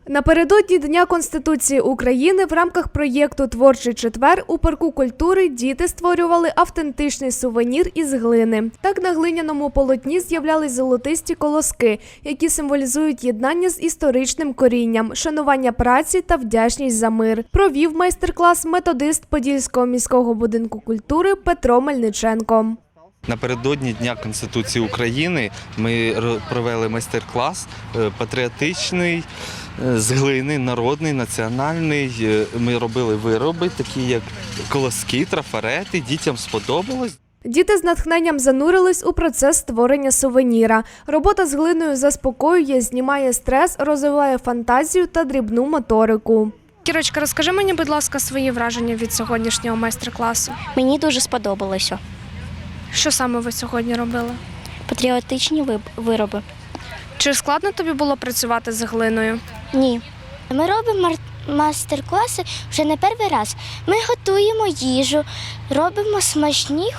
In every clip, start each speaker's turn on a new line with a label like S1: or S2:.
S1: Напередодні Дня Конституції України в рамках проєкту «Творчий четвер» у парку культури діти створювали автентичний сувенір із глини. Так на глиняному полотні з'являлись золотисті колоски, які символізують єднання з історичним корінням, шанування праці та вдячність за мир. Провів майстер-клас методист Подільського міського будинку культури Петро Мельниченко.
S2: Напередодні Дня Конституції України ми провели майстер-клас патріотичний, з глини, народний, національний. Ми робили вироби, такі як колоски, трафарети, дітям сподобалось.
S1: Діти з натхненням занурились у процес створення сувеніра. Робота з глиною заспокоює, знімає стрес, розвиває фантазію та дрібну моторику. Кірочка, розкажи мені, будь ласка, свої враження від сьогоднішнього майстер-класу.
S3: Мені дуже сподобалося.
S1: Що саме ви сьогодні робили?
S3: Патріотичні вироби.
S1: Чи складно тобі було працювати з глиною?
S3: Ні. Ми робимо майстер-класи вже не перший раз. Ми готуємо їжу, робимо смачні,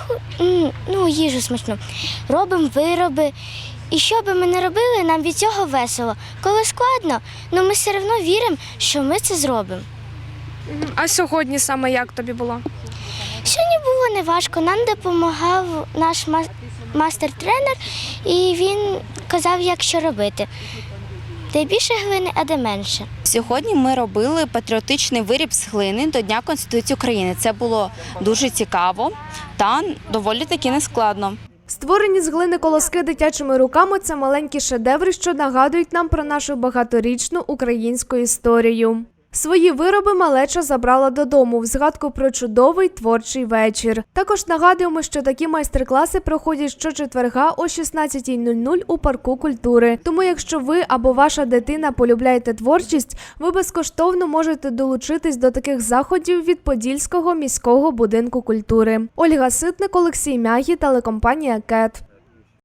S3: їжу смачну, робимо вироби. І що би ми не робили, нам від цього весело. Коли складно, ми все одно віримо, що ми це зробимо.
S1: А сьогодні саме як тобі було?
S3: Сьогодні було неважко, нам допомагав наш мастер-тренер, і він казав, як що робити. Де більше глини, а де менше.
S4: Сьогодні ми робили патріотичний виріб з глини до Дня Конституції України. Це було дуже цікаво та доволі таки нескладно.
S1: Створені з глини колоски дитячими руками – це маленькі шедеври, що нагадують нам про нашу багаторічну українську історію. Свої вироби малеча забрала додому в згадку про чудовий творчий вечір. Також нагадуємо, що такі майстер-класи проходять щочетверга о 16:00 у парку культури. Тому якщо ви або ваша дитина полюбляєте творчість, ви безкоштовно можете долучитись до таких заходів від Подільського міського будинку культури. Ольга Ситник, Олексій Мягі, телекомпанія «КЕТ».